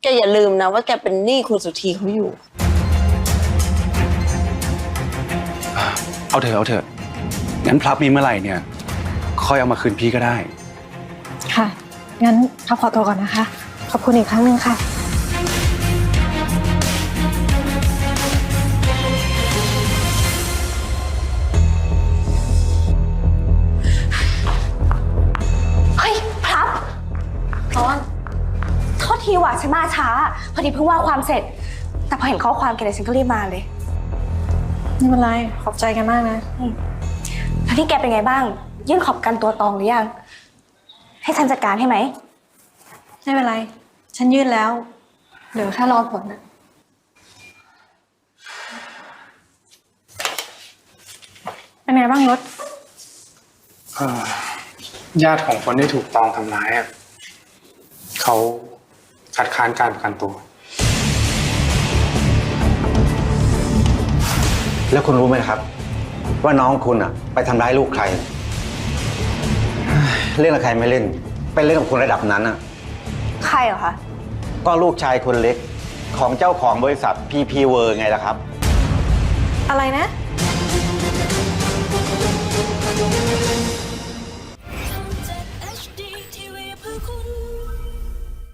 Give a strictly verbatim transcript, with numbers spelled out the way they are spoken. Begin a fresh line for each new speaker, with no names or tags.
แกอย่าลืมนะว่าแกเป็นหนี้คุณสุธีเขาอยู่
เอาเถอะเอาเถอะงั้นพลับมีเมื่อไหร่เนี่ยค่อยเอามาคืนพี่ก็ได้
ค่ะงั้นพับขอตัวก่อนนะคะขอบคุณอีกครั้งหนึ่งค่ะ
เฮ้ยพลับตอนโทษทีว่ะฉันมาช้าพอดีเพิ่งว่าความเสร็จแต่พอเห็นข้อความแกเลยฉันก็รีบมาเลย
ไม่เป็นไรขอบใจกันมากนะ
แล้วที่แกเป็นไงบ้างยื่นขอบกันตัวตองหรือยังให้ฉันจัดการให้ไหม
ไม่เป็นไรฉันยื่นแล้วเดี๋ยวแค่รอผลนะเป็นไงบ้างรถ
ญาติของคนที่ถูกตองทำร้ายอ่ะเขาคัดค้านการประกันตัว
แล้วคุณรู้ไหมครับว่าน้องคุณอ่ะไปทำร้ายลูกใครเล่นกับใครไม่เล่นไปเล่นกับคนระดับนั้นอ่ะ
ใครเหรอคะ
ก็ลูกชายคนเล็กของเจ้าของบริษัทพีพีเวอร์ไงล่ะครับ
อะไรนะ